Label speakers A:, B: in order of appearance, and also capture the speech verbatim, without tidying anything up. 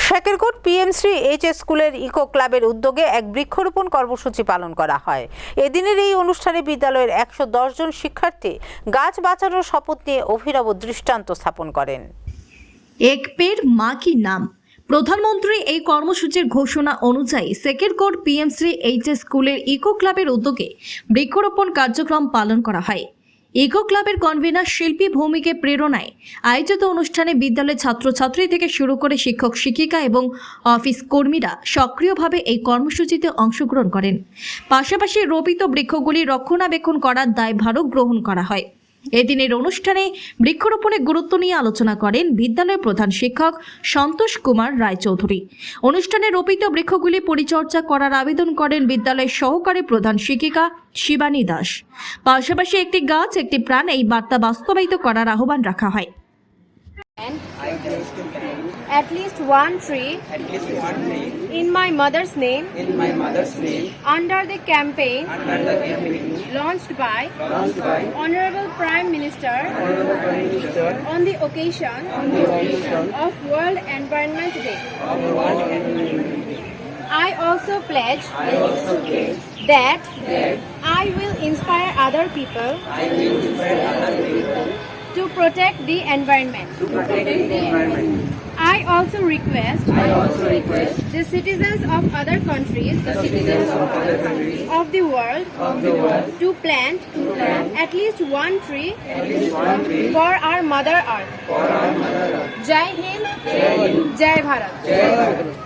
A: Shekerkot PM Shri H S স্কুলের eco ক্লাবের উদ্যোগে এক বৃক্ষরোপণ কর্মসূচি পালন করা হয়। এদিনের এই অনুষ্ঠানে বিদ্যালয়ের একশো দশ জন শিক্ষার্থী গাছ বাঁচানোর শপথ নিয়ে অভিনব দৃষ্টান্ত স্থাপন করেন।
B: এক পেড় মা কি নাম। প্রধানমন্ত্রী এই কর্মসূচির ঘোষণা অনুযায়ী শেকেরকোট পিএমশ্রী এইচ এস স্কুলের ইকো ক্লাবের উদ্যোগে বৃক্ষরোপণ কার্যক্রম পালন করা হয়। ইকো ক্লাবের কনভেনার শিল্পী ভৌমিকের প্রেরণায় আয়োজিত অনুষ্ঠানে বিদ্যালয়ের ছাত্রছাত্রী থেকে শুরু করে শিক্ষক শিক্ষিকা এবং অফিস কর্মীরা সক্রিয়ভাবে এই কর্মসূচিতে অংশগ্রহণ করেন। পাশাপাশি রোপিত বৃক্ষগুলি রক্ষণাবেক্ষণ করার দায়ভারও গ্রহণ করা হয়। এদিনের অনুষ্ঠানে বৃক্ষরোপণের গুরুত্ব নিয়ে আলোচনা করেন বিদ্যালয়ের প্রধান শিক্ষক সন্তোষ কুমার রায়চৌধুরী। অনুষ্ঠানে রোপিত বৃক্ষগুলি পরিচর্যা করার আবেদন করেন বিদ্যালয়ের সহকারী প্রধান শিক্ষিকা শিবানী দাস। পাশাপাশি একটি গাছ একটি প্রাণ এই বার্তা বাস্তবায়িত করার আহ্বান রাখা হয়।
C: At least one tree,
D: at least one tree
C: in my mother's name,
D: in my mother's name,
C: under the campaign
D: under the campaign
C: launched by
D: launched by
C: Honorable Prime Minister
D: Honorable Prime Minister
C: on the occasion
D: on the occasion
C: of World Environment Day.
D: of World Environment Day.
C: I also pledge
D: I also pledge
C: that
D: that
C: I will inspire other people
D: I will inspire other people
C: to protect the environment.
D: to protect the environment.
C: I also request
D: I also request
C: the citizens of other countries
D: the citizens of other countries
C: of the world
D: of the world
C: to plant
D: to plant
C: at least one tree
D: at least one tree
C: for our Mother Earth.
D: for our mother earth.
C: Jai Hind,
D: Jai Hind.
C: Jai Bharat.
D: Jai Bharat.